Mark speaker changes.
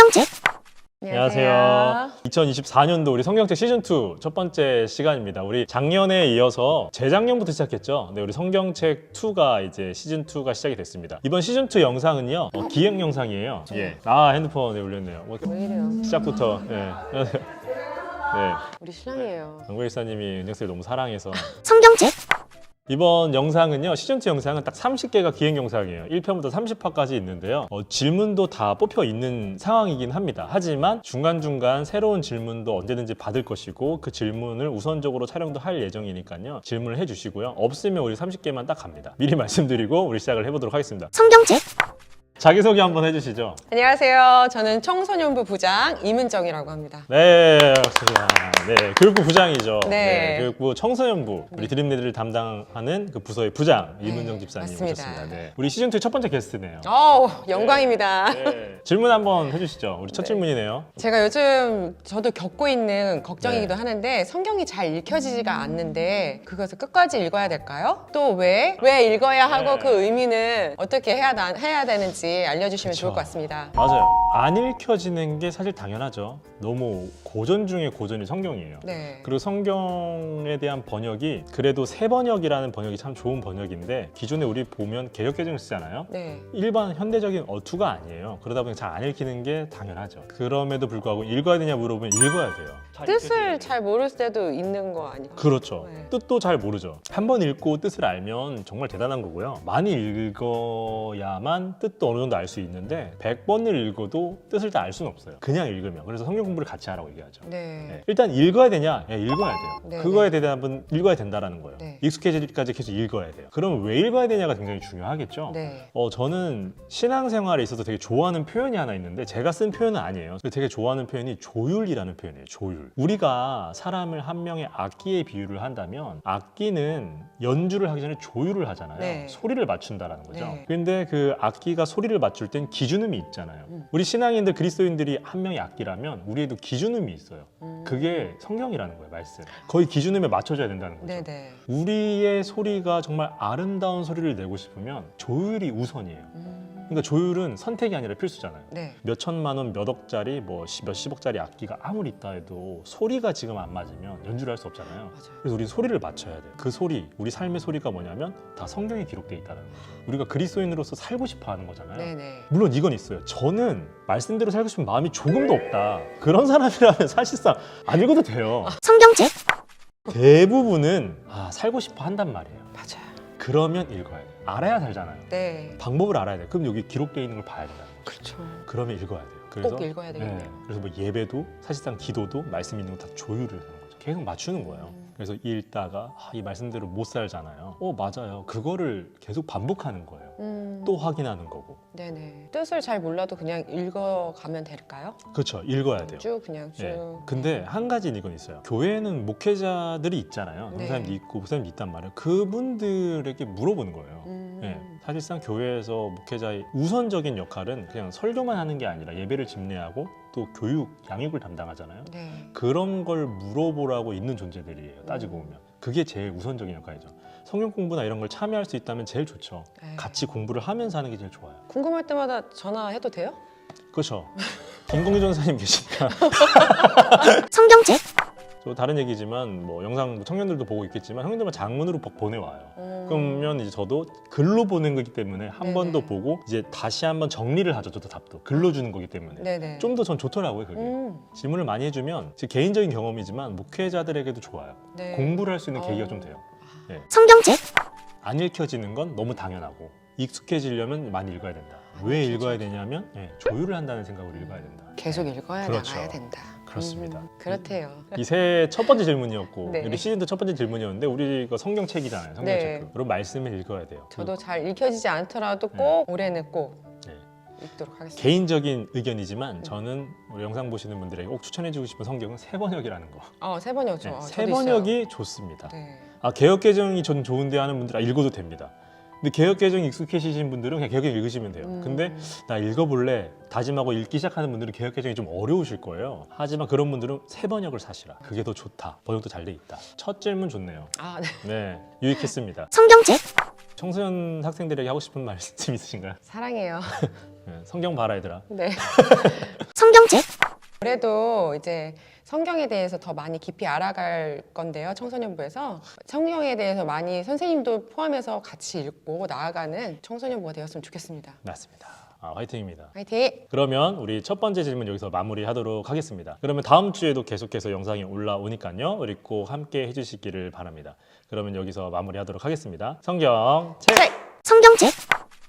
Speaker 1: 성경책.
Speaker 2: 안녕하세요. 2024년도 우리 성경책 시즌2 첫 번째 시간입니다. 우리 작년에 이어서 재작년부터 시작했죠. 네, 우리 성경책 2가 이제 시즌2가 시작이 됐습니다. 이번 시즌2 영상은요, 기획 영상이에요. 예. 핸드폰에 올렸네요.
Speaker 3: 왜 이래요?
Speaker 2: 시작부터. 예. 네.
Speaker 3: 우리 신랑이에요.
Speaker 2: 강구일사님이 은혁쌤을 너무 사랑해서.
Speaker 1: 성경책.
Speaker 2: 이번 영상은요, 시즌2 영상은 딱 30개가 기획 영상이에요. 1편부터 30화까지 있는데요. 질문도 다 뽑혀 있는 상황이긴 합니다. 하지만 중간중간 새로운 질문도 언제든지 받을 것이고 그 질문을 우선적으로 촬영도 할 예정이니까요. 질문을 해주시고요. 없으면 우리 30개만 딱 갑니다. 미리 말씀드리고 우리 시작을 해보도록 하겠습니다.
Speaker 1: 성경책.
Speaker 2: 자기소개 한번 해주시죠.
Speaker 3: 안녕하세요. 저는 청소년부 부장 이문정이라고 합니다.
Speaker 2: 네, 반갑습니다. 네, 교육부 부장이죠.
Speaker 3: 네.
Speaker 2: 교육부 청소년부 우리 드림리드를 담당하는 그 부서의 부장 이문정 집사님
Speaker 3: 맞습니다.
Speaker 2: 오셨습니다. 네. 우리 시즌2 첫 번째 게스트네요.
Speaker 3: 영광입니다.
Speaker 2: 네. 질문 한번 해주시죠. 우리 첫 질문이네요.
Speaker 3: 제가 요즘 저도 겪고 있는 걱정이기도 하는데 성경이 잘 읽혀지지가 않는데 그것을 끝까지 읽어야 될까요? 또 왜 읽어야 하고
Speaker 2: 네.
Speaker 3: 그 의미는 어떻게 해야 되는지 알려주시면
Speaker 2: 그쵸.
Speaker 3: 좋을 것 같습니다.
Speaker 2: 맞아요. 안 읽혀지는 게 사실 당연하죠. 너무 고전 중에 고전이 성경이에요.
Speaker 3: 네.
Speaker 2: 그리고 성경에 대한 번역이 그래도 새 번역이라는 번역이 참 좋은 번역인데 기존에 우리 보면 개역개정을 쓰잖아요.
Speaker 3: 네.
Speaker 2: 일반 현대적인 어투가 아니에요. 그러다 보니 잘 안 읽히는 게 당연하죠. 그럼에도 불구하고 읽어야 되냐 물어보면 읽어야 돼요.
Speaker 3: 뜻을 잘 모를 때도 있는 거 아닐까요?
Speaker 2: 그렇죠.
Speaker 3: 네.
Speaker 2: 뜻도 잘 모르죠. 한 번 읽고 뜻을 알면 정말 대단한 거고요. 많이 읽어야만 뜻도 어느 정도 알 수 있는데 100번을 읽어도 뜻을 다 알 수는 없어요. 그냥 읽으면. 그래서 성경 공부를 같이 하라고 얘기하죠.
Speaker 3: 네.
Speaker 2: 네. 일단 읽어야 되냐? 예, 읽어야 돼요.
Speaker 3: 네,
Speaker 2: 그거에 대답은 읽어야 된다라는 거예요.
Speaker 3: 네.
Speaker 2: 익숙해지기까지 계속 읽어야 돼요. 그럼 왜 읽어야 되냐가 굉장히 중요하겠죠.
Speaker 3: 네.
Speaker 2: 저는 신앙생활에 있어서 되게 좋아하는 표현이 하나 있는데 제가 쓴 표현은 아니에요. 되게 좋아하는 표현이 조율이라는 표현이에요. 조율. 우리가 사람을 한 명의 악기에 비유를 한다면 악기는 연주를 하기 전에 조율을 하잖아요.
Speaker 3: 네.
Speaker 2: 소리를 맞춘다라는 거죠.
Speaker 3: 네.
Speaker 2: 근데 그 악기가 소리를 맞출 땐 기준음이 있잖아요. 우리 신앙인들 그리스도인들이 한 명의 악기라면 우리에도 기준음이 있어요. 그게 성경이라는 거예요. 말씀. 거의 기준음에 맞춰져야 된다는 거죠.
Speaker 3: 네네.
Speaker 2: 우리의 소리가 정말 아름다운 소리를 내고 싶으면 조율이 우선이에요. 그러니까 조율은 선택이 아니라 필수잖아요.
Speaker 3: 네.
Speaker 2: 몇 천만 원, 몇 억짜리, 몇십억짜리 악기가 아무리 있다 해도 소리가 지금 안 맞으면 연주를 할 수 없잖아요.
Speaker 3: 맞아요.
Speaker 2: 그래서 우리는 소리를 맞춰야 돼요. 그 소리, 우리 삶의 소리가 뭐냐면 다 성경에 기록되어 있다는 거죠. 우리가 그리스도인으로서 살고 싶어 하는 거잖아요.
Speaker 3: 네네.
Speaker 2: 물론 이건 있어요. 저는 말씀대로 살고 싶은 마음이 조금도 없다. 그런 사람이라면 사실상 안 읽어도 돼요.
Speaker 1: 성경책.
Speaker 2: 대부분은 살고 싶어 한단 말이에요.
Speaker 3: 맞아요.
Speaker 2: 그러면 읽어야 돼요. 알아야 살잖아요.
Speaker 3: 네.
Speaker 2: 방법을 알아야 돼요. 그럼 여기 기록되어 있는 걸 봐야 된다는 거죠.
Speaker 3: 그렇죠.
Speaker 2: 그러면 읽어야 돼요.
Speaker 3: 꼭 읽어야 되겠네요.
Speaker 2: 그래서 뭐 예배도 사실상 기도도 말씀 있는 거 다 조율을 하는 거죠. 계속 맞추는 거예요. 그래서 읽다가 이 말씀대로 못 살잖아요. 맞아요. 그거를 계속 반복하는 거예요. 또 확인하는 거고.
Speaker 3: 네네. 뜻을 잘 몰라도 그냥 읽어가면 될까요?
Speaker 2: 그렇죠. 읽어야 돼요.
Speaker 3: 쭉 그냥 쭉.
Speaker 2: 네. 근데 한 가지는 이건 있어요. 교회에는 목회자들이 있잖아요.
Speaker 3: 네.
Speaker 2: 목사님도 있고 목사님도 있단 말이에요. 그분들에게 물어보는 거예요.
Speaker 3: 음.
Speaker 2: 네. 사실상 교회에서 목회자의 우선적인 역할은 그냥 설교만 하는 게 아니라 예배를 집례하고 또 교육, 양육을 담당하잖아요.
Speaker 3: 네.
Speaker 2: 그런 걸 물어보라고 있는 존재들이에요. 따지고 보면. 그게 제일 우선적인 역할이죠. 성경 공부나 이런 걸 참여할 수 있다면 제일 좋죠.
Speaker 3: 네.
Speaker 2: 같이 공부를 하면서 하는 게 제일 좋아요.
Speaker 3: 궁금할 때마다 전화해도 돼요?
Speaker 2: 그렇죠. 김공희 전사님 계시니까.
Speaker 1: 성경책.
Speaker 2: 저 다른 얘기지만 뭐 영상 청년들도 보고 있겠지만 형님들만 장문으로 보내와요. 그러면 이제 저도 글로 보낸 거기 때문에 한
Speaker 3: 네네.
Speaker 2: 번 더 보고 이제 다시 한번 정리를 하죠. 저도 답도 글로 주는 거기 때문에
Speaker 3: 네네.
Speaker 2: 좀 더 전 좋더라고요. 그게 질문을 많이 해주면 제 개인적인 경험이지만 목회자들에게도 좋아요.
Speaker 3: 네.
Speaker 2: 공부를 할 수 있는 계기가 좀 돼요.
Speaker 1: 성경책.
Speaker 2: 안 읽혀지는 건 너무 당연하고 익숙해지려면 많이 읽어야 된다. 왜 읽어야 되냐면 조율을 한다는 생각으로 읽어야 된다.
Speaker 3: 계속 읽어야
Speaker 2: 그렇죠.
Speaker 3: 나가야 된다.
Speaker 2: 그렇습니다.
Speaker 3: 그렇대요.
Speaker 2: 이 새해 첫 번째 질문이었고
Speaker 3: 네.
Speaker 2: 우리 시즌도 첫 번째 질문이었는데 우리 이거 성경책이잖아요. 성경책.
Speaker 3: 네.
Speaker 2: 그런 말씀을 읽어야 돼요.
Speaker 3: 저도 잘 읽혀지지 않더라도 꼭 올해는 꼭
Speaker 2: 네.
Speaker 3: 읽도록 하겠습니다.
Speaker 2: 개인적인 의견이지만 저는 우리 영상 보시는 분들에게 꼭 추천해주고 싶은 성경은 새 번역이라는 거.
Speaker 3: 새 번역죠.
Speaker 2: 네,
Speaker 3: 저도
Speaker 2: 새
Speaker 3: 있어요.
Speaker 2: 번역이 좋습니다.
Speaker 3: 네.
Speaker 2: 개역 개정이 전 좋은데 하는 분들 읽어도 됩니다. 근데 개역 개정이 익숙해지신 분들은 그냥 개역 개정 읽으시면 돼요. 근데 나 읽어볼래 다짐하고 읽기 시작하는 분들은 개역 개정이 좀 어려우실 거예요. 하지만 그런 분들은 새 번역을 사시라. 그게 더 좋다. 번역도 잘 돼 있다. 첫 질문 좋네요.
Speaker 3: 네.
Speaker 2: 네, 유익했습니다.
Speaker 1: 성경책.
Speaker 2: 청소년 학생들에게 하고 싶은 말씀 있으신가요?
Speaker 3: 사랑해요.
Speaker 2: 네, 성경 봐라 얘들아.
Speaker 3: 네.
Speaker 1: 성경 성경책,
Speaker 3: 그래도 이제 성경에 대해서 더 많이 깊이 알아갈 건데요. 청소년부에서 성경에 대해서 많이 선생님도 포함해서 같이 읽고 나아가는 청소년부가 되었으면 좋겠습니다.
Speaker 2: 맞습니다. 화이팅입니다.
Speaker 3: 화이팅!
Speaker 2: 그러면 우리 첫 번째 질문 여기서 마무리하도록 하겠습니다. 그러면 다음 주에도 계속해서 영상이 올라오니까요. 우리 꼭 함께 해주시기를 바랍니다. 그러면 여기서 마무리하도록 하겠습니다. 성경책!
Speaker 3: 책!
Speaker 1: 성경책.